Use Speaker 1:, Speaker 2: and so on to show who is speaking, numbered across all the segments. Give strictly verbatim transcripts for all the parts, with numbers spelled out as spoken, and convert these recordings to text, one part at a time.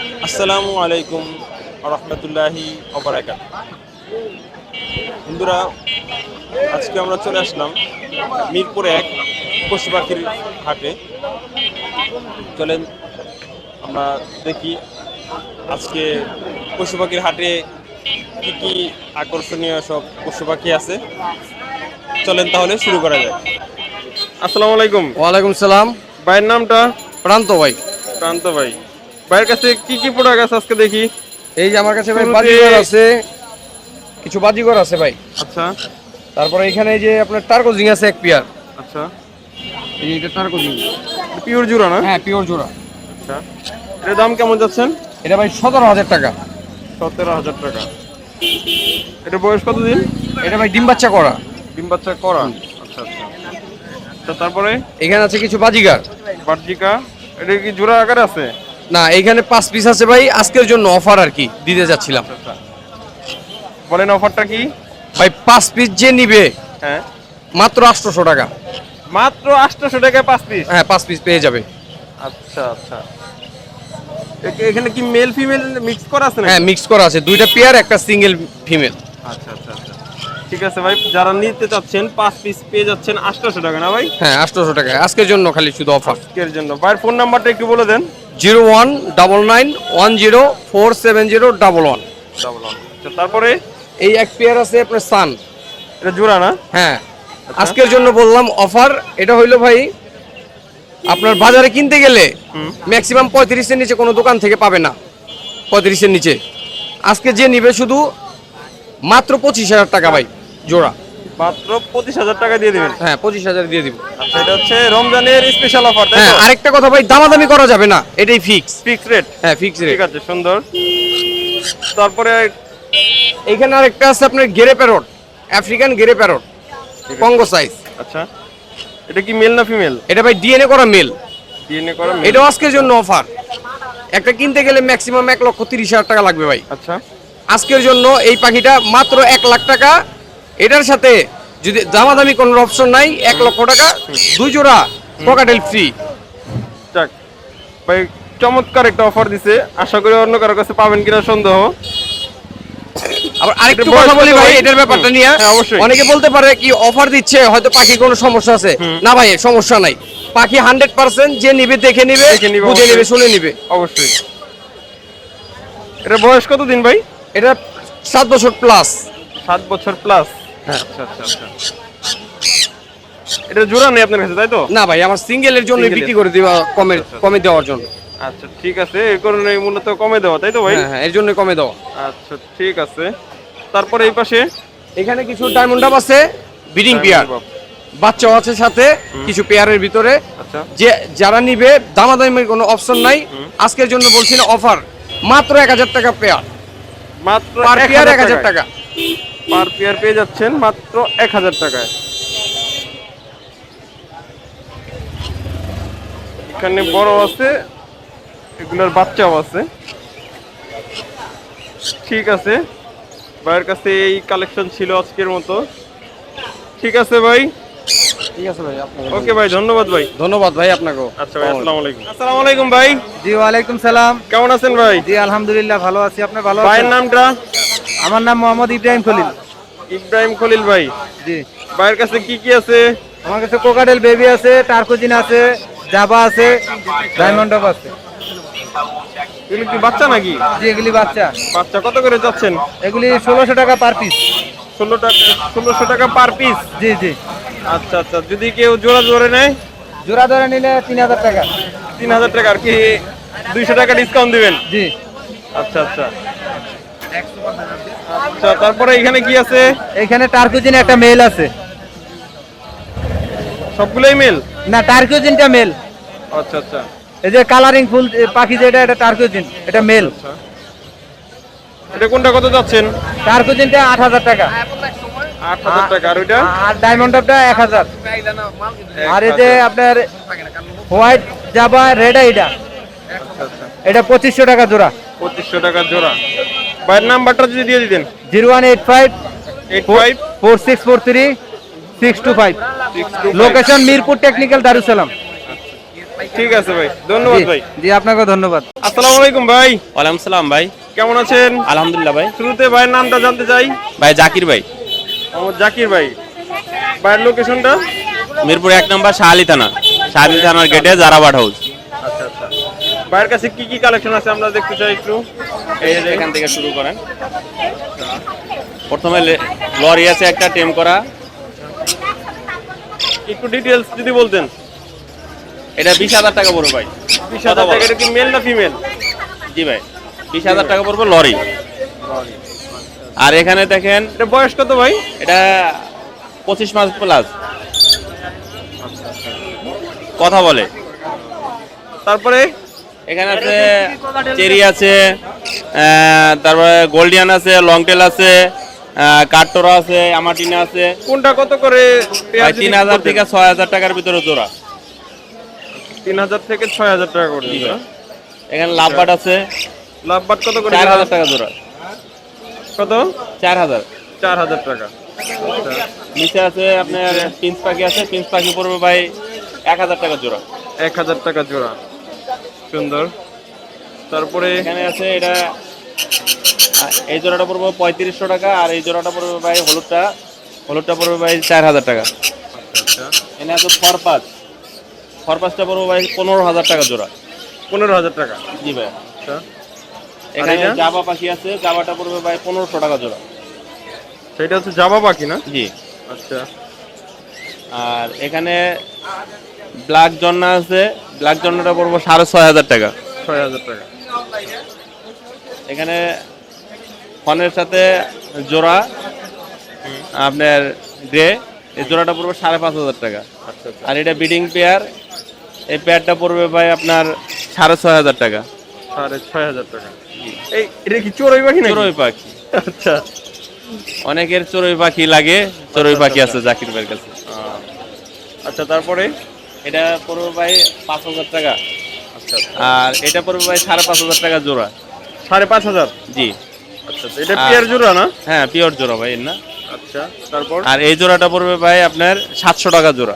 Speaker 1: আসসালামু আলাইকুম রহমতুল্লাহি ওবারাকাত। বন্ধুরা, আজকে আমরা চলে আসলাম মিরপুর এক পশু পাখির হাটে। চলেন আমরা দেখি আজকে পশু পাখির হাটে কি কি আকর্ষণীয় সব পশু পাখি আছে। চলেন তাহলে শুরু করা যায়। আসসালামু আলাইকুম।
Speaker 2: ওয়ালাইকুম সালাম।
Speaker 1: ভাইয়ের নামটা?
Speaker 2: প্রান্ত ভাই।
Speaker 1: প্রান্ত ভাই, ভাইয়ের কাছে কি কি প্রোডাক্ট আছে আজকে দেখি।
Speaker 2: এই যে আমার কাছে ভাই
Speaker 1: শুরুতে-
Speaker 2: বাজিগর আছে, কিছু বাজিগর আছে ভাই।
Speaker 1: আচ্ছা
Speaker 2: তারপরে এখানে এই যে আপনার টার্কোজিং আছে এক পেয়ার।
Speaker 1: আচ্ছা,
Speaker 2: এই যে এটা টার্কোজিং।
Speaker 1: পিওর জোড়া না?
Speaker 2: হ্যাঁ, পিওর জোড়া।
Speaker 1: আচ্ছা, এর দাম কেমন যাচ্ছেন?
Speaker 2: এটা ভাই সতেরো হাজার টাকা।
Speaker 1: সতেরো হাজার টাকা। এটা বয়স কতদিন?
Speaker 2: এটা ভাই ডিম বাচ্চা করা।
Speaker 1: ডিম বাচ্চা করা। আচ্ছা আচ্ছা আচ্ছা তারপরে
Speaker 2: এখানে আছে কিছু বাজিগার।
Speaker 1: বার্জিকা, এটা কি জোড়া আকারে আছে?
Speaker 2: না, এখানে পাঁচ পিস আছে ভাই, আজকের জন্য অফার আর কি দিতে যাচ্ছিলাম।
Speaker 1: আচ্ছা, বলেন অফারটা কি?
Speaker 2: ভাই পাঁচ পিস যে নিবে
Speaker 1: হ্যাঁ,
Speaker 2: মাত্র আটশোশো টাকা।
Speaker 1: মাত্র আটশোশো টাকায় পাঁচ পিস?
Speaker 2: হ্যাঁ, পাঁচ পিস পেয়ে যাবে।
Speaker 1: আচ্ছা আচ্ছা, এ- এখানে কি মেল ফিমেল মিক্স করা আছে নাকি?
Speaker 2: হ্যাঁ, মিক্স করা আছে, দুইটা পেয়ার একটা সিঙ্গেল ফিমেল।
Speaker 1: আচ্ছা আচ্ছা আচ্ছা, ঠিক আছে ভাই, যারা নিতে চাচ্ছেন পাঁচ পিস পেয়ে যাচ্ছেন আটশোশো টাকা না ভাই?
Speaker 2: হ্যাঁ, আটশোশো টাকা আজকের জন্য খালি শুধু অফার।
Speaker 1: আজকের জন্য। ভাইয়ের ফোন নাম্বারটা একটু বলে দেন।
Speaker 2: Zero one double nine one zero four seven zero double one.
Speaker 1: Double one. আচ্ছা, তারপরে
Speaker 2: এই এক পেয়ার আছে আপনার সান।
Speaker 1: এটা জোড়া না?
Speaker 2: হ্যাঁ, আজকের জন্য বললাম অফার। এটা হইলো ভাই আপনার বাজারে কিনতে গেলে ম্যাক্সিমাম পঁয়ত্রিশের নিচে কোনো দোকান থেকে পাবে না, পঁয়ত্রিশের নিচে। আজকে যে নিবে শুধু মাত্র পঁচিশ হাজার টাকা ভাই জোড়া।
Speaker 1: মাত্র পঁচিশ হাজার টাকা দিয়ে দিবেন?
Speaker 2: হ্যাঁ, পঁচিশ হাজার দিয়ে দিব।
Speaker 1: আচ্ছা, এটা হচ্ছে রমজানের স্পেশাল অফার তাই
Speaker 2: হ্যাঁ,
Speaker 1: তো?
Speaker 2: আরেকটা কথা ভাই, দামাদামি করা যাবে না, এটাই ফিক্স।
Speaker 1: Fix rate?
Speaker 2: হ্যাঁ, ফিক্স রেট।
Speaker 1: ঠিক আছে, সুন্দর। তারপরে
Speaker 2: এইখানে আরেকটা আছে আপনার grey parrot, African grey parrot, Congo size.
Speaker 1: আচ্ছা, এটা কি মেল না ফিমেল?
Speaker 2: এটা ভাই ডিএনএ করা মেল।
Speaker 1: ডিএনএ করা মেল?
Speaker 2: এটাও আজকের জন্য অফার। একটা কিনতে গেলে ম্যাক্সিমাম এক লক্ষ তিরিশ হাজার টাকা লাগবে ভাই।
Speaker 1: আচ্ছা,
Speaker 2: আজকের জন্য এই পাখিটা মাত্র এক লাখ টাকা। এটার সাথে যদি দামাদামি কোনো অপশন নাই, এক লক্ষ টাকা দুই জোড়া পকাটেল ফ্রি।
Speaker 1: যাক ভাই, চমৎকার একটা অফার দিছে। আশা করি অন্য কারো কাছে পাবেন কিনা সন্দেহ।
Speaker 2: আবার আরেকটু
Speaker 1: এটা
Speaker 2: কথা
Speaker 1: বয়স
Speaker 2: বলি
Speaker 1: কত
Speaker 2: ভাই
Speaker 1: ভাই?
Speaker 2: এটার ব্যাপারটা নিয়ে।
Speaker 1: হ্যাঁ, অবশ্যই।
Speaker 2: অনেকে বলতে পারে কি অফার দিচ্ছে, হয়তো পাখির কোনো সমস্যা আছে। না ভাই, সমস্যা নাই। পাখি হান্ড্রেড পার্সেন্ট যে নিবে দেখে নিবে,
Speaker 1: দেখে নিবে,
Speaker 2: বুঝে নিবে,
Speaker 1: অবশ্যই।
Speaker 2: শুনে নিবে।
Speaker 1: অবশ্যই। এটা বয়স কত দিন ভাই?
Speaker 2: এটা সাত বছর প্লাস।
Speaker 1: সাত বছর প্লাস?
Speaker 2: হ্যাঁ।
Speaker 1: আচ্ছা আচ্ছা আচ্ছা, এটা জোড়া নেই আপনার কাছে তাই তো?
Speaker 2: না ভাই, আমার সিঙ্গেলের জন্য
Speaker 1: Single
Speaker 2: বিক্রি
Speaker 1: এর।
Speaker 2: করে দিবা, কমে কমে দেওয়ার জন্য।
Speaker 1: আচ্ছা, ঠিক আছে, এই কারণে মূলত কমে দেওয়া তাই তো ভাই?
Speaker 2: হ্যাঁ হ্যাঁ, এর জন্য কমে দেওয়া।
Speaker 1: আচ্ছা, ঠিক আছে। তারপরে এই পাশে
Speaker 2: এখানে কিছু ডায়মন্ড ডাব আছে, ব্রিডিং পেয়ার, বাচ্চাও আছে সাথে কিছু পেয়ারের ভিতরে।
Speaker 1: আচ্ছা,
Speaker 2: যে যারা নিবে দামাদামির কোনো অপশন নাই। আজকের জন্য বলছি না, অফার মাত্র এক হাজার টাকা পেয়ার।
Speaker 1: মাত্র
Speaker 2: পার
Speaker 1: এক
Speaker 2: পেয়ার
Speaker 1: হাজার
Speaker 2: এক হাজার টাকা।
Speaker 1: পার পেয়ার পেয়ে যাচ্ছেন মাত্র এক হাজার টাকায়। এখানে বড় আছে, এগুলোর বাচ্চাও আছে। ঠিক আছে, ভাইয়ের কাছে এই কালেকশন ছিল আজকের মতো। ঠিক আছে ভাই,
Speaker 2: ঠিক আছে ভাই, আপনাকে
Speaker 1: ওকে ভাই, ধন্যবাদ ভাই।
Speaker 2: ধন্যবাদ ভাই আপনাকেও।
Speaker 1: আচ্ছা ভাই, আসসালামু আলাইকুম। আসসালামু আলাইকুম ভাই।
Speaker 3: জি ওয়ালাইকুম সালাম।
Speaker 1: কেমন আছেন ভাই?
Speaker 3: জি আলহামদুলিল্লাহ ভালো আছি, আপনি ভালো
Speaker 1: ভাইয়ের
Speaker 3: আছেন?
Speaker 1: নামটা?
Speaker 3: আমার নাম মোহাম্মদ ইব্রাহিম খলিল।
Speaker 1: ইব্রাহিম খলিল ভাই।
Speaker 3: জি,
Speaker 1: ভাইয়ের কাছে কি কি আছে?
Speaker 3: আমার কাছে কোকাডেল বেবি আছে, টার্কোজিন আছে, জাবা আছে, ডায়মন্ড ডব আছে।
Speaker 1: এগুলো কি বাচ্চা নাকি?
Speaker 3: জি এগুলি বাচ্চা।
Speaker 1: বাচ্চা কত করে যাচ্ছেন?
Speaker 3: এগুলি ষোলোশো টাকা পার পিস।
Speaker 1: ষোলো টাকা ষোলোশো টাকা পার পিস?
Speaker 3: জি জি।
Speaker 1: আচ্ছা আচ্ছা, যদি কেউ জোড়া জোরে নেয়?
Speaker 3: জোড়া ধরে নিলে তিন হাজার টাকা।
Speaker 1: তিন হাজার টাকা আর কি দুইশো টাকা ডিসকাউন্ট দিবেন?
Speaker 3: জি।
Speaker 1: আচ্ছা আচ্ছা আচ্ছা, তারপরে এখানে কি আছে?
Speaker 3: এখানে টার্কোজিন একটা মেল আছে।
Speaker 1: সবগুলোই মেল?
Speaker 3: না, টার্কোজিনটা মেল।
Speaker 1: আচ্ছা আচ্ছা
Speaker 3: এই যে কালারিং ফুল পাখি যেটা, এটা টার্কোজিন, এটা মেল।
Speaker 1: আচ্ছা, এটা কোনটা কত যাচ্ছেন?
Speaker 3: টার্কোজিনটা আট হাজার টাকা।
Speaker 1: আট হাজার টাকা। আর ওইটা?
Speaker 3: আর ডায়মন্ড ডবটা এক হাজার। আর এই যে আপনার হোয়াইট জাবা রেড আইডা,
Speaker 1: আচ্ছা আচ্ছা,
Speaker 3: এটা পঁচিশশো টাকা জোড়া।
Speaker 1: পঁচিশশো টাকা জোড়া। ভাইয়ের নাম্বারটা যদি দিয়ে দিতেন।
Speaker 3: Zero one eight five
Speaker 1: eight five
Speaker 3: four six four three six two five.
Speaker 1: Six two
Speaker 3: location Mirpur technical Darussalam.
Speaker 1: ঠিক আছে ভাই, ধন্যবাদ ভাই।
Speaker 3: জি আপনাকে ধন্যবাদ।
Speaker 1: আসসালামু আলাইকুম ভাই,
Speaker 4: ওয়ালাইকুম সালাম ভাই।
Speaker 1: কেমন আছেন?
Speaker 4: আলহামদুলিল্লাহ ভাই।
Speaker 1: শুরুতে ভাইয়ের নামটা জানতে চাই।
Speaker 4: ভাই জাকির ভাই,
Speaker 1: মোহাম্মদ জাকির ভাই। ভাইয়ের লোকেশনটা?
Speaker 4: মিরপুর এক নম্বর শাহালি থানা, শাহালি থানার গেটে জারাবাট হাউস।
Speaker 1: আচ্ছা আচ্ছা। ভাইয়ের কাছে কি কি কালেকশন আছে আমরা দেখতে চাই একটু।
Speaker 4: এই যে এখান থেকে শুরু করেন। প্রথমে লে- লরি আছে একটা টেম করা,
Speaker 1: একটু ডিটেলস যদি বলতেন।
Speaker 4: এটা বিশ হাজার টাকা পড়বে ভাই।
Speaker 1: বিশ হাজার টাকা। এটা কি মেল না ফিমেল?
Speaker 4: জি ভাই, বিশ হাজার টাকা পড়বে লরি। আর এখানে দেখেন,
Speaker 1: এটা বয়স কত ভাই?
Speaker 4: এটা পঁচিশ মাস প্লাস, কথা বলে।
Speaker 1: তারপরে
Speaker 4: এখানে আছে চেরি আছে, আহ, তারপরে গোল্ডিয়ান আছে, লংটেল আছে, আহ, কাঠটোরা আছে, আমাটিনা আছে।
Speaker 1: কোনটা কত করে? পেয়ার
Speaker 4: ভাই
Speaker 1: যদি
Speaker 4: তিন হাজার
Speaker 1: বলতেন।
Speaker 4: থেকে ছয় হাজার টাকার ভিতরে জোড়া।
Speaker 1: তিন হাজার থেকে ছয় হাজার টাকা করে।
Speaker 4: জি ভাই। এখানে লাভবাট আছে,
Speaker 1: লাভবাট কত করে?
Speaker 4: চার হাজার টাকা জোড়া।
Speaker 1: কত?
Speaker 4: চার হাজার।
Speaker 1: চার হাজার টাকা।
Speaker 4: নিচে আছে আপনার পিঞ্চ পাখি আছে, পিঞ্চ পাখি পড়বে ভাই এক হাজার টাকা জোড়া।
Speaker 1: এক হাজার টাকা জোড়া। সুন্দর। তারপরে
Speaker 4: এখানে আছে এটা, আহ, এই জোড়াটা পড়বে পঁয়ত্রিশশো টাকা, আর এই জোড়াটা পড়বে ভাই হলুদটা, হলুদটা পড়বে ভাই চার হাজার টাকা।
Speaker 1: আচ্ছা,
Speaker 4: এখানে আছে ফরপাস, ফরপাসটা পড়বে ভাই পনেরো হাজার টাকা জোড়া।
Speaker 1: পনেরো হাজার টাকা।
Speaker 4: জি ভাই।
Speaker 1: আচ্ছা।
Speaker 4: এখানে
Speaker 1: এটা?
Speaker 4: জাবা পাখি আছে, জাবাটা পড়বে ভাই পনেরোশো টাকা জোড়া।
Speaker 1: সেটা হচ্ছে জাবা পাখি না?
Speaker 4: জি।
Speaker 1: আচ্ছা।
Speaker 4: আর এখানে ব্ল্যাক জন্না আছে, ব্ল্যাক জন্নাটা পড়বো সাড়ে ছয় হাজার টাকা।
Speaker 1: ছয় হাজার টাকা।
Speaker 4: এখানে ফনের সাথে জোড়া আপনার গ্রে, এই জোড়াটা পড়বে সাড়ে পাঁচ হাজার টাকা।
Speaker 1: আচ্ছা আচ্ছা।
Speaker 4: আর এটা বিডিং পেয়ার, এই পেয়ারটা পড়বে ভাই আপনার সাড়ে ছয় হাজার টাকা।
Speaker 1: সাড়ে ছয় হাজার টাকা। এই এটা কি চড়ুই পাখি নাকি?
Speaker 4: চড়ুই পাখি,
Speaker 1: আচ্ছা।
Speaker 4: অনেকের চড়ুই পাখি লাগে, চড়ুই পাখি আছে জাকির ভাইয়ের কাছে।
Speaker 1: আহ, আচ্ছা তারপরে?
Speaker 4: এটা পড়বে ভাই পাঁচ হাজার টাকা।
Speaker 1: আচ্ছা।
Speaker 4: আর এটা পড়বে ভাই সাড়ে পাঁচ হাজার টাকা জোড়া।
Speaker 1: সাড়ে পাঁচ হাজার।
Speaker 4: জি।
Speaker 1: আচ্ছা আচ্ছা। এটা পেয়ার জোড়া না?
Speaker 4: হ্যাঁ পিওর জোড়া ভাই এর না।
Speaker 1: আচ্ছা। তারপর
Speaker 4: আর এই জোড়াটা পড়বে ভাই আপনার সাতশো টাকা জোড়া।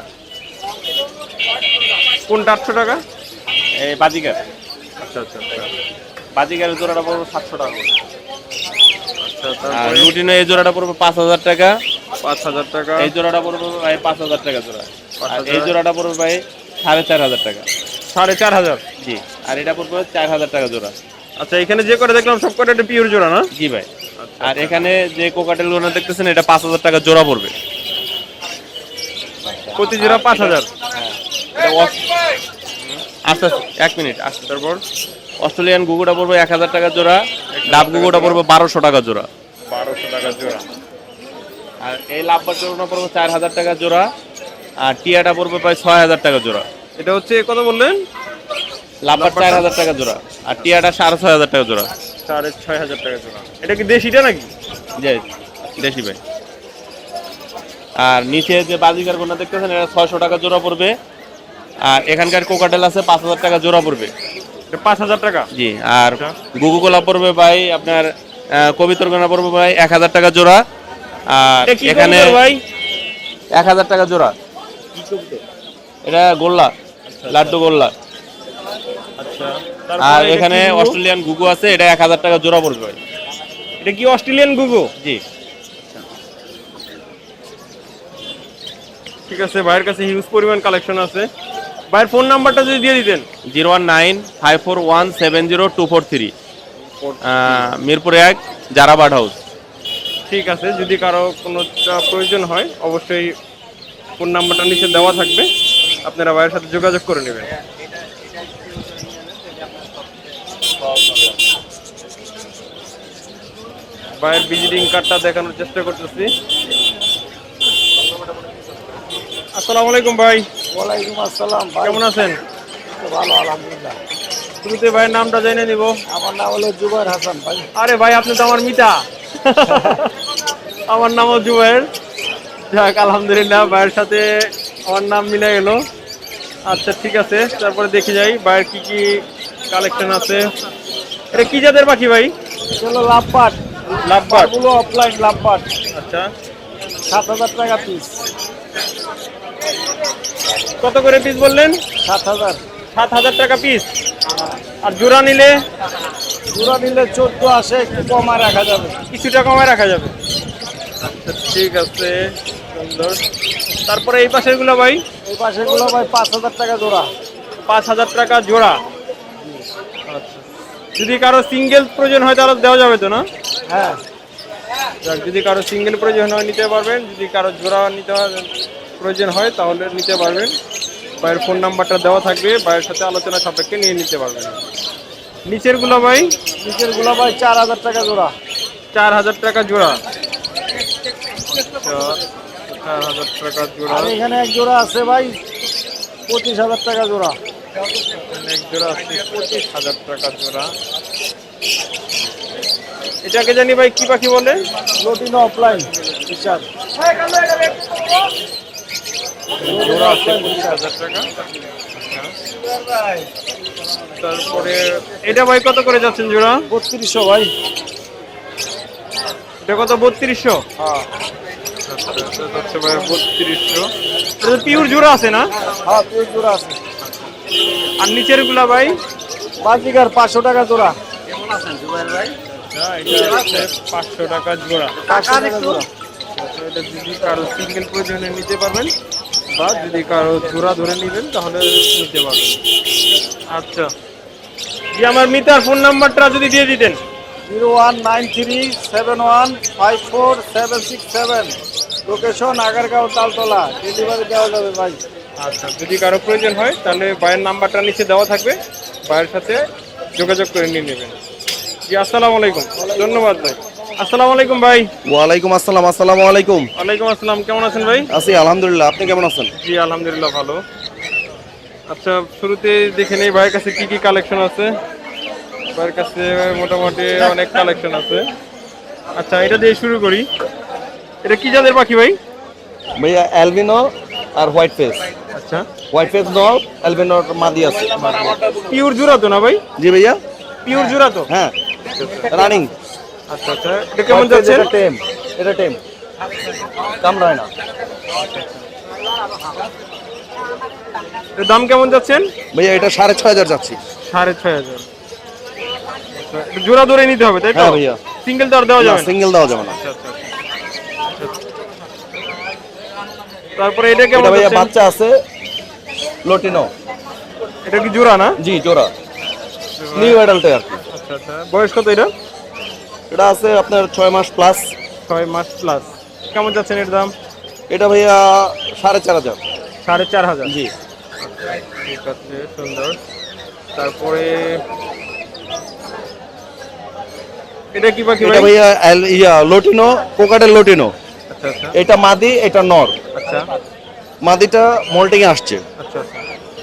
Speaker 1: কোনটা আটশো টাকা?
Speaker 4: এই বাজিকার,
Speaker 1: আচ্ছা আচ্ছা আচ্ছা।
Speaker 4: বাজিকারের জোড়াটা পড়বে সাতশো টাকা করে।
Speaker 1: আচ্ছা
Speaker 4: আর
Speaker 1: তারপরে
Speaker 4: রুটিনে এই জোড়াটা পড়বে পাঁচ হাজার টাকা।
Speaker 1: পাঁচ হাজার টাকা।
Speaker 4: এই জোড়াটা পড়বে ভাই পাঁচ হাজার টাকা জোড়া।
Speaker 1: পাঁচ
Speaker 4: আর
Speaker 1: হাজার।
Speaker 4: এই জোড়াটা পড়বে ভাই সাড়ে চার হাজার টাকা।
Speaker 1: সাড়ে চার হাজার।
Speaker 4: জি। আর এটা পড়বে চার হাজার টাকা জোড়া।
Speaker 1: আচ্ছা এখানে যে কটা দেখলাম সব কটা এটা পিওর জোড়া না?
Speaker 4: জি ভাই।
Speaker 1: আচ্ছা।
Speaker 4: আর এখানে যে কোকাটেল গুলো দেখতেছেন এটা পাঁচ হাজার টাকা জোড়া পড়বে।
Speaker 1: প্রতি জোড়া পাঁচ হাজার।
Speaker 4: এটা অস- আস্তে আস্তে এক মিনিট আস্তে।
Speaker 1: তারপর
Speaker 4: অস্ট্রেলিয়ান গুগুটা পড়বে এক হাজার টাকা জোড়া, ডাব গুগুটা পড়বে বারোশো টাকা জোড়া।
Speaker 1: বারোশো টাকা জোড়া।
Speaker 4: আর এই লাভবার জোড়াটা পড়বে চার হাজার টাকা জোড়া। আর টিয়াটা পড়বে প্রায় ছয় হাজার টাকা জোড়া।
Speaker 1: এটা হচ্ছে কত বললেন?
Speaker 4: লাভবার চার হাজার টাকা জোড়া, আর টিয়াটা সাড়ে ছয় হাজার টাকা জোড়া।
Speaker 1: সাড়ে ছয় হাজার টাকা জোড়া। এটা কি দেশিটা নাকি?
Speaker 4: জি দেশি ভাই। আর নিচে যে বাজিকার গোনা দেখতেছেন এটা ছয়শো টাকা জোড়া পড়বে। আর এখানকার কোকাটেল আছে পাঁচ হাজার টাকা জোড়া পড়বে।
Speaker 1: এটা পাঁচ হাজার টাকা।
Speaker 4: জি। আর গুগু গোলা পড়বে ভাই আপনার, আহ, কবিতর গোনা পড়বে ভাই এক হাজার টাকা জোড়া। আর
Speaker 1: এটা কি
Speaker 4: এখানে
Speaker 1: কবুতর ভাই?
Speaker 4: এক হাজার টাকা জোড়া। এটা গোল্লা, লাড্ডু গোল্লা।
Speaker 1: আচ্ছা।
Speaker 4: আর
Speaker 1: তারপরে এটা
Speaker 4: এখানে
Speaker 1: কি গুগু?
Speaker 4: অস্ট্রেলিয়ান গুগু আছে, এটা এক হাজার টাকা জোড়া পড়বে ভাই।
Speaker 1: এটা কি অস্ট্রেলিয়ান গুগু?
Speaker 4: জি।
Speaker 1: ঠিক আছে, ভাইয়ের কাছে হিউজ পরিমাণ কালেকশন আছে। ভাইয়ের ফোন নাম্বারটা যদি দিয়ে দিতেন।
Speaker 4: Zero one nine five four one seven zero two four three, Mirpur এক জারাবাট হাউস।
Speaker 1: ঠিক আছে, যদি কারো কোনো প্রয়োজন হয় অবশ্যই ফোন নাম্বারটা নিচে দেওয়া থাকবে, আপনারা ভাইয়ের সাথে যোগাযোগ করে নেবেন। ভাইয়ের ভিজিটিং কার্ডটা দেখানোর চেষ্টা করতেছি। আসসালামু আলাইকুম ভাই।
Speaker 3: ওয়ালাইকুম আসসালাম ভাই।
Speaker 1: কেমন আছেন?
Speaker 3: ভালো আলহামদুলিল্লাহ।
Speaker 1: শুরুতে ভাইয়ের নামটা জেনে নিব।
Speaker 3: আমার নাম হলো জুবাইর হাসান ভাই।
Speaker 1: আরে ভাই আপনি তো আমার মিতা। আমার নামও জুবাইর। যাক আলহামদুলিল্লাহ, ভাইয়ের সাথে আমার নাম মিলে গেল। আচ্ছা ঠিক আছে, তারপরে দেখে যাই ভাইয়ের কি কি কালেকশন আছে। এটা কি জাতের পাখি ভাই?
Speaker 3: চলো লাভবাট,
Speaker 1: লাভবার্ড।
Speaker 3: গুলো অফলাইন লাভবাট,
Speaker 1: আচ্ছা,
Speaker 3: সাত হাজার টাকা পিস।
Speaker 1: কত করে পিস বললেন?
Speaker 3: সাত হাজার।
Speaker 1: সাত হাজার টাকা পিস। আর জোড়া নিলে
Speaker 3: জোড়া নিলে চোদ্দ আসে, একটু কমায় রাখা যাবে।
Speaker 1: কিছুটা কমায় রাখা যাবে। আচ্ছা ঠিক আছে, সুন্দর। তারপরে এই পাশের গুলো ভাই,
Speaker 3: এই পাশেগুলো ভাই পাঁচ হাজার টাকা জোড়া।
Speaker 1: পাঁচ হাজার টাকা জোড়া। আচ্ছা, যদি কারো সিঙ্গেল প্রয়োজন হয় তাহলে দেওয়া যাবে তো না?
Speaker 3: হ্যাঁ,
Speaker 1: যাক, যদি কারো সিঙ্গেল প্রয়োজন হয় নিতে পারবেন, যদি কারো জোড়া নিতে হয় প্রয়োজন হয় তাহলে নিতে পারবেন। ভাইয়ের ফোন নাম্বারটা দেওয়া থাকবে, ভাইয়ের সাথে আলোচনা সাপেক্ষে নিয়ে নিতে পারবেন। নিচের গুলো ভাই,
Speaker 3: নিচের গুলো ভাই চার হাজার টাকা জোড়া।
Speaker 1: চার হাজার টাকা জোড়া। আচ্ছা, চার হাজার টাকা জোড়া।
Speaker 3: আর এখানে এক জোড়া আছে ভাই পঁচিশ হাজার টাকা জোড়া।
Speaker 1: এখানে এক জোড়া আছে পঁচিশ হাজার টাকা জোড়া। এটাকে জানি ভাই কি পাখি বলে?
Speaker 3: Lutino opaline Fischer.
Speaker 1: জোড়া আছে পঁচিশ হাজার টাকা। তারপরে এটা ভাই কত করে যাচ্ছেন জোড়া?
Speaker 3: বত্রিশশো ভাই।
Speaker 1: এটা কত? বত্রিশশো।
Speaker 3: হ্যাঁ
Speaker 1: যাচ্ছে ভাই বত্রিশশো। এটা পিওর জোড়া আছে না?
Speaker 3: হ্যাঁ, পিওর জোড়া আছে।
Speaker 1: আর নিচের গুলা ভাই?
Speaker 3: বাজিকার পাঁচশো টাকা জোড়া।
Speaker 1: আচ্ছা, এটা হচ্ছে পাঁচশো টাকা জোড়া।
Speaker 3: পাঁচশো টাকা জোড়া।
Speaker 1: আচ্ছা, এটা যদি কারো সিঙ্গেল প্রয়োজনে নিতে পারবেন বা যদি কারো জোড়া ধরে নেবেন তাহলে নিতে পারবেন। আচ্ছা, জি, আমার মিতার ফোন নাম্বারটা যদি দিয়ে দিতেন।
Speaker 3: Zero one nine three seven one five four seven six seven. Location Agargaon Taltala. Delivery দেওয়া যাবে ভাই।
Speaker 1: আচ্ছা, যদি কারো প্রয়োজন হয় তাহলে ভাইয়ের নাম্বারটা নিচে দেওয়া থাকবে, ভাইয়ের সাথে যোগাযোগ করে নিয়ে নেবেন। জি, আসসালামু আলাইকুম। ধন্যবাদ ভাই। আসসালামু আলাইকুম ভাই।
Speaker 5: ওয়ালাইকুম আসসালাম। আসসালামু আলাইকুম।
Speaker 1: ওয়ালাইকুম আসসালাম, কেমন আছেন ভাই?
Speaker 5: আছি আলহামদুলিল্লাহ, আপনি কেমন আছেন?
Speaker 1: জি আলহামদুলিল্লাহ ভালো। আচ্ছা, শুরুতে দেখে নেই ভাইয়ের কাছে কি কি কালেকশন আছে। ভাইয়ের কাছে মোটামুটি অনেক কালেকশন আছে। আচ্ছা, এটা দিয়ে শুরু করি। এটা কি জাতের পাখি ভাই?
Speaker 5: ভাইয়া অ্যালবিনো আর হোয়াইট ফেস।
Speaker 1: আচ্ছা,
Speaker 5: হোয়াইট ফেস নর, অ্যালবিনোর মাদি আছে।
Speaker 1: পিওর জোড়া তো না ভাই?
Speaker 5: জি ভাইয়া,
Speaker 1: পিওর জোড়া তো?
Speaker 5: হ্যাঁ রানিং।
Speaker 1: আচ্ছা আচ্ছা, এটা কেমন যাচ্ছে?
Speaker 5: এটা টেম, এটা টেম, কামড়ায় না।
Speaker 1: এর দাম কেমন যাচ্ছেন?
Speaker 5: ভাইয়া এটা সাড়ে ছয় হাজার যাচ্ছি।
Speaker 1: সাড়ে ছয় হাজার। আচ্ছা, এটা জোড়া ধরে নিতে হবে তাই তো?
Speaker 5: হ্যাঁ ভাইয়া,
Speaker 1: সিঙ্গেল তো আর দেওয়া যাবে না?
Speaker 5: সিঙ্গেল দেওয়া যাবে না।
Speaker 1: আচ্ছা আচ্ছা আচ্ছা। তারপরে এটা কেমন
Speaker 5: এটা ভাইয়া
Speaker 1: যাচ্ছেন?
Speaker 5: বাচ্চা আছে লটিনো।
Speaker 1: এটা কি জোড়া না?
Speaker 5: জি জোড়া, নিউ অ্যাডাল্টে আর কি।
Speaker 1: আচ্ছা আচ্ছা, বয়স কত এটা?
Speaker 5: এটা আছে আপনার ছয় মাস প্লাস।
Speaker 1: ছয় মাস প্লাস। কেমন যাচ্ছেন এর দাম?
Speaker 5: এটা ভাইয়া সাড়ে চার হাজার।
Speaker 1: সাড়ে চার হাজার।
Speaker 5: জি,
Speaker 1: ঠিক আছে, সুন্দর। তারপরে এটা কি পাখি
Speaker 5: এটা
Speaker 1: ভাই?
Speaker 5: ভাইয়া অ্যাল- ইয়া লটিনো, কোকাটেল লটিনো।
Speaker 1: আচ্ছা আচ্ছা
Speaker 5: এটা মাদি, এটা নর।
Speaker 1: আচ্ছা
Speaker 5: মাদিটা মোল্টিং এ আসছে।
Speaker 1: আচ্ছা আচ্ছা।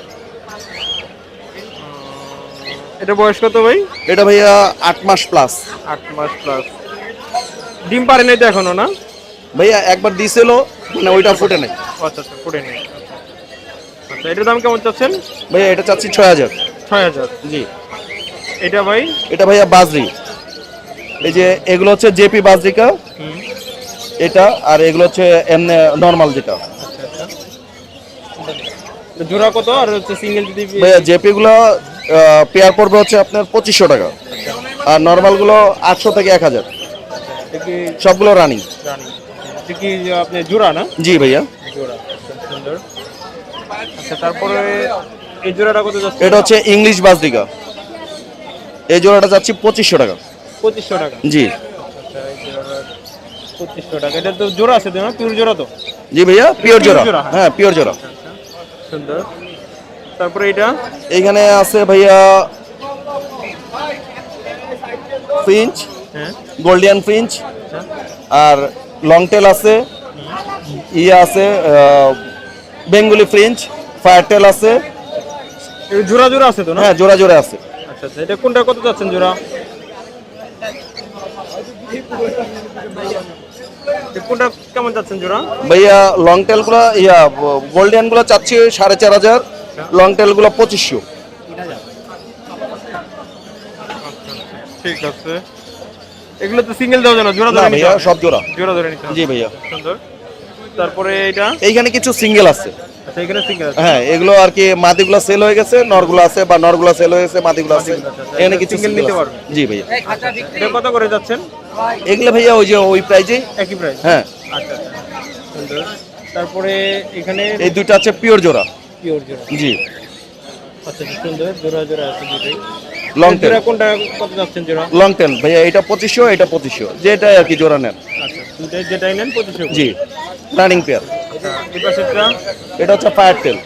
Speaker 1: এটা বয়স কত ভাই?
Speaker 5: এটা ভাইয়া আট মাস প্লাস।
Speaker 1: আট মাস প্লাস। ডিম পারে নাই তো এখনো না?
Speaker 5: ভাইয়া একবার দিছিল, মানে ওইটা ফুটে নাই।
Speaker 1: আচ্ছা আচ্ছা, ফুটে নেই। আচ্ছা, এটার দাম কেমন চাচ্ছেন?
Speaker 5: ভাইয়া এটা চাচ্ছি ছয় হাজার।
Speaker 1: ছয় হাজার।
Speaker 5: জি,
Speaker 1: এটা ভাই?
Speaker 5: এটা ভাইয়া বাজরি। এই যে এগুলো হচ্ছে জেপি বাজরিকা,
Speaker 1: হুম,
Speaker 5: এটা আর এগুলো হচ্ছে এমনি নর্মাল যেটা।
Speaker 1: আচ্ছা আচ্ছা। এটা জোড়া কত আর হচ্ছে সিঙ্গেল যদি?
Speaker 5: ভাইয়া জেপি গুলো পেয়ার পড়বে হচ্ছে আপনার পঁচিশশো টাকা, আর নর্মাল গুলো আটশো থেকে এক হাজার।
Speaker 1: এটা কি
Speaker 5: সবগুলো রানিং।
Speaker 1: জানি? এটা কি আপনি জোড়া না?
Speaker 5: জি ভাইয়া,
Speaker 1: জোড়া। আচ্ছা, সুন্দর। আচ্ছা, তারপরে এই জোড়াটা কত যাচ্ছে?
Speaker 5: এটা হচ্ছে ইংলিশ বাজরিকা। এই জোড়াটা যাচ্ছি পঁচিশশো টাকা।
Speaker 1: পঁচিশশো টাকা।
Speaker 5: জি
Speaker 1: আচ্ছা, এই জোড়াটা পঁচিশশো টাকা। এটা তো জোড়া আছে তো না? পিওর জোড়া তো?
Speaker 5: জি ভাইয়া, পিওর
Speaker 1: Pure
Speaker 5: জোড়া।
Speaker 1: জোড়া, হ্যাঁ।
Speaker 5: হ্যাঁ পিওর জোড়া।
Speaker 1: সুন্দর। তারপরে এটা?
Speaker 5: এইখানে আছে ভাইয়া ফিঞ্চ,
Speaker 1: হ্যাঁ।
Speaker 5: গোল্ডিয়ান ফিঞ্চ,
Speaker 1: আচ্ছা
Speaker 5: আর লং টেল আছে, ইয়ে আছে বেঙ্গলি ফ্রিঞ্চ, ফায়ার টেল আছে।
Speaker 1: এটা জোড়া জোড়া আছে তো না?
Speaker 5: হ্যাঁ জোড়া জোড়া আছে।
Speaker 1: আচ্ছা আচ্ছা, এটা কোনটা কত যাচ্ছেন জোড়া? এটা কোনটা কেমন যাচ্ছেন জোড়া?
Speaker 5: ভাইয়া লং টেল গুলো, ইয়া গোল্ডিয়ান গুলো চাচ্ছি সাড়ে চার হাজার, লং টেল গুলো পঁচিশশো।
Speaker 1: ঠিক আছে। এগুলো তো সিঙ্গেল দেওয়া যায় না, জোড়া
Speaker 5: না
Speaker 1: ধরে নিতে
Speaker 5: ভাইয়া,
Speaker 1: হবে?
Speaker 5: সব জোড়া।
Speaker 1: জোড়া ধরে নিতে হবে।
Speaker 5: জি ভাইয়া,
Speaker 1: সুন্দর। তারপরে এটা?
Speaker 5: এইখানে কিছু সিঙ্গেল আছে।
Speaker 1: আচ্ছা এখানে সিঙ্গেল আছে।
Speaker 5: হ্যাঁ এগুলো আর কি মাদিগুলো সেল হয়ে গেছে, নরগুলো আছে, বা নরগুলো সেল হয়ে গেছে, মাদিগুলো আছে। এখানে কিছু
Speaker 1: single
Speaker 5: single
Speaker 1: নিতে
Speaker 5: আছে।
Speaker 1: পারবে।
Speaker 5: জি ভাইয়া।
Speaker 1: এটা কত করে যাচ্ছেন?
Speaker 5: এগুলো ভাইয়া ওই যে ওই প্রাইজে।
Speaker 1: একই প্রাইস।
Speaker 5: হ্যাঁ
Speaker 1: আচ্ছা আচ্ছা সুন্দর। তারপরে এখানে
Speaker 5: এই দুইটা আছে পিওর জোড়া।
Speaker 1: পিওর জোড়া।
Speaker 5: জি
Speaker 1: আচ্ছা আচ্ছা, সুন্দর জোড়া জোড়া আছে দুটোই।
Speaker 5: Long tail.
Speaker 1: জোড়া কোনটা কত যাচ্ছেন জোড়া?
Speaker 5: লং টেল ভাইয়া, এটা পঁচিশশো, এটা পঁচিশশো, যেটা আর কি জোড়া নেন।
Speaker 1: আচ্ছা দুটাই যেটাই নেন পঁচিশশো করে।
Speaker 5: জি রানিং পেয়ার।
Speaker 1: আচ্ছা এই পাশেরটা?
Speaker 5: এটা হচ্ছে ফায়ার টেল।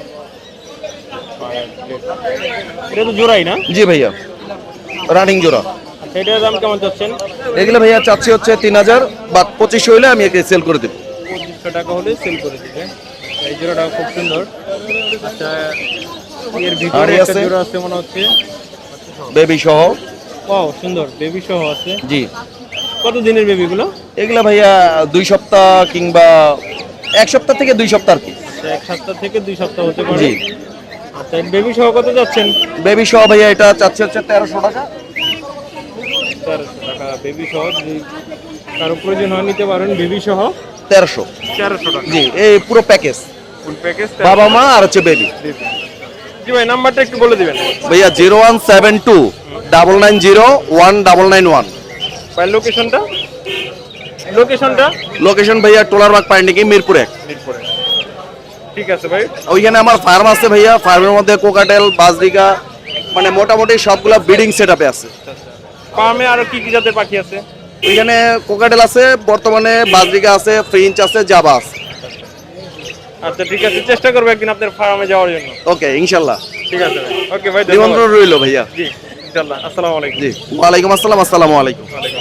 Speaker 1: এটা তো জোড়াই না?
Speaker 5: জি ভাইয়া রানিং জোড়া।
Speaker 1: আচ্ছা এটার দাম কেমন যাচ্ছেন?
Speaker 5: এগুলো ভাইয়া চাচ্ছি হচ্ছে তিন হাজার বা পঁচিশশো হইলে আমি একে সেল করে দেবো।
Speaker 1: পঁচিশশো টাকা হলে সেল করে দিবে। এই জোড়াটা খুব সুন্দর। আচ্ছা এর ভিতরে
Speaker 5: আরই
Speaker 1: একটা
Speaker 5: আছে।
Speaker 1: জোড়া আছে মনে হচ্ছে।
Speaker 5: বেবি সহ।
Speaker 1: ওয়াও সুন্দর, বেবি সহ আছে।
Speaker 5: জি
Speaker 1: কত দিনের বেবিগুলো?
Speaker 5: এগুলা ভাইয়া দুই সপ্তাহ কিংবা এক সপ্তাহ থেকে দুই সপ্তাহ আর কি।
Speaker 1: আচ্ছা এক সপ্তাহ থেকে দুই সপ্তাহ হতে পারে।
Speaker 5: জি
Speaker 1: আচ্ছা বেবি সহ কত যাচ্ছেন?
Speaker 5: বেবি সহ ভাইয়া এটা চাচ্ছি হচ্ছে তেরোশো টাকা।
Speaker 1: তেরোশো টাকা বেবি সহ। যদি কারো প্রয়োজন হয় নিতে পারেন বেবি সহ
Speaker 5: তেরোশো।
Speaker 1: তেরোশো টাকা
Speaker 5: জি এই পুরো প্যাকেজ,
Speaker 1: ফুল প্যাকেজ।
Speaker 5: বাবা মা আর হচ্ছে বেবি।
Speaker 1: জি ভাই নাম্বারটা একটু বলে দিবেন।
Speaker 5: ভাইয়া zero one seven two double nine zero one double nine one.
Speaker 1: ভাই লোকেশনটা? লোকেশনটা
Speaker 5: লোকেশন ভাইয়া টোলারবাগ পাইন্ডিকি মিরপুর এক।
Speaker 1: মিরপুরে। ঠিক আছে ভাই।
Speaker 5: ওইখানে আমার ফার্ম আছে ভাইয়া, ফার্মের মধ্যে কোকাটেল, বাজরিকা, মানে মোটামুটি সবগুলা ব্রিডিং সেট আপে আছে।
Speaker 1: ফার্মে আরো কি কি জাতের পাখি আছে?
Speaker 5: ওইখানে কোকাটেল আছে, বর্তমানে বাজরিকা আছে, ফ্রিঞ্চ আছে, জাবা আছে।
Speaker 1: আচ্ছা ঠিক আছে, চেষ্টা করবো একদিন আপনার ফার্মে যাওয়ার জন্য।
Speaker 5: ওকে ইনশাল্লাহ,
Speaker 1: ঠিক আছে ভাই। ওকে ভাই ধন্যবাদ।
Speaker 5: নিমন্ত্রণ রইল ভাইয়া।
Speaker 1: জি ইনশাল্লাহ। আসসালামু আলাইকুম।
Speaker 5: জি ওয়ালাইকুম আসসালাম। আসসালামু আলাইকুম।